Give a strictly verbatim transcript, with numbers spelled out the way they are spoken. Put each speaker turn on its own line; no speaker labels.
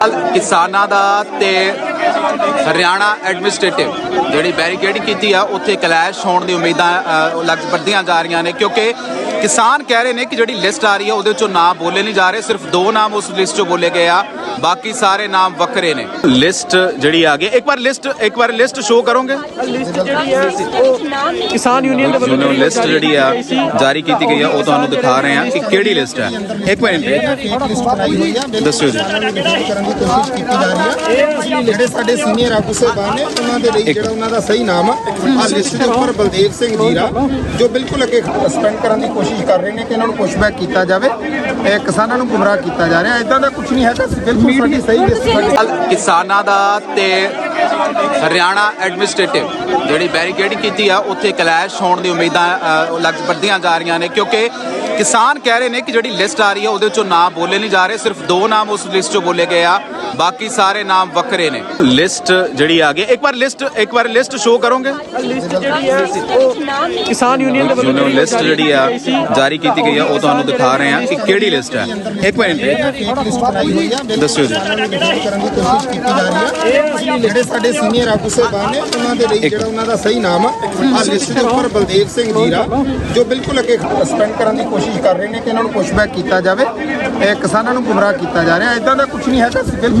किसानां दा ते हरियाणा एडमिनिस्ट्रेटिव जिहड़ी बैरीकेडिंग की है उत्थे क्लैश होने की उम्मीदां लग बढ़दियां जा रही ने क्योंकि किसान कह रहे हैं कि जिहड़ी लिस्ट आ रही है उहदे चों नाम बोले नहीं जा रहे, सिर्फ दो नाम उस लिस्ट चों बोले गए आ, बाकी सारे नाम वक्रे ने। लिस्ट जिहड़ी आ गई, एक बार लिस्ट एक बार लिस्ट शो करोगे?
किसान यूनियन
यूनियन लिस्ट जिहड़ी आ जारी की गई है वो तुहानूं दिखा रहे हैं कि किहड़ी लिस्ट है। एक मिनट दस्सिओ जी।
ਜਿਹੜੇ ਸਾਡੇ ਸੀਨੀਅਰ ਆਗੂ ਸਾਹਿਬਾਨ ਨੇ ਉਹਨਾਂ ਦੇ ਲਈ ਜਿਹੜਾ ਉਹਨਾਂ ਦਾ ਸਹੀ ਨਾਮ ਆ ਆ ਲਿਸਟ ਦੇ ਉੱਪਰ ਬਲਦੇਵ ਸਿੰਘ ਜੀਰਾ ਜੋ ਬਿਲਕੁਲ ਅੱਗੇ ਸਸਪੈਂਡ ਕਰਨ ਦੀ ਕੋਸ਼ਿਸ਼ ਕਰ ਰਹੇ ਨੇ ਕਿ ਇਹਨਾਂ ਨੂੰ ਪੁਸ਼ਬੈਕ ਕੀਤਾ ਜਾਵੇ। ਇਹ ਕਿਸਾਨਾਂ ਨੂੰ ਗੁੰਮਰਾਹ ਕੀਤਾ ਜਾ ਰਿਹਾ, ਇਦਾਂ ਦਾ ਕੁਝ ਨਹੀਂ ਹੈਗਾ, ਬਿਲਕੁਲ ਸਾਡੀ ਸਹੀ ਲਿਸਟ।
ਕਿਸਾਨਾਂ ਦਾ ਤੇ हरियाणा एडमिनिस्ट्रेटिव जिहड़ी बैरीकेडिंग की है उत्थे क्लैश होने की उम्मीदां लग बढ़दियां जा रही ने क्योंकि किसान कह रहे हैं कि जिहड़ी लिस्ट आ रही है उहदे चों नाम बोले नहीं जा रहे, सिर्फ दो नाम उस लिस्ट चों बोले गए आ, बाकी सारे नाम वक्रे ने। लिस्ट जिहड़ी आ गई, एक बार लिस्ट एक बार लिस्ट शो करोगे?
किसान यूनियन
यूनियन लिस्ट जिहड़ी आ जारी की गई है वो तुहानूं दिखा रहे हैं कि किहड़ी लिस्ट है। एक मिनट दस्सिओ जी।
ਜਿਹੜੇ ਸਾਡੇ ਸੀਨੀਅਰ ਆਗੂ ਸਾਹਿਬਾਨ ਨੇ ਉਹਨਾਂ ਦੇ ਲਈ ਜਿਹੜਾ ਉਹਨਾਂ ਦਾ ਸਹੀ ਨਾਮ ਆ ਆ ਲਿਸਟ ਦੇ ਉੱਪਰ ਬਲਦੇਵ ਸਿੰਘ ਜੀਰਾ ਜੋ ਬਿਲਕੁਲ ਅੱਗੇ ਸਸਪੈਂਡ ਕਰਨ ਦੀ ਕੋਸ਼ਿਸ਼ ਕਰ ਰਹੇ ਨੇ ਕਿ ਇਹਨਾਂ ਨੂੰ ਪੁਸ਼ਬੈਕ ਕੀਤਾ ਜਾਵੇ। ਇਹ ਕਿਸਾਨਾਂ ਨੂੰ ਗੁੰਮਰਾਹ ਕੀਤਾ ਜਾ ਰਿਹਾ, ਇਦਾਂ ਦਾ ਕੁਝ ਨਹੀਂ ਹੈਗਾ।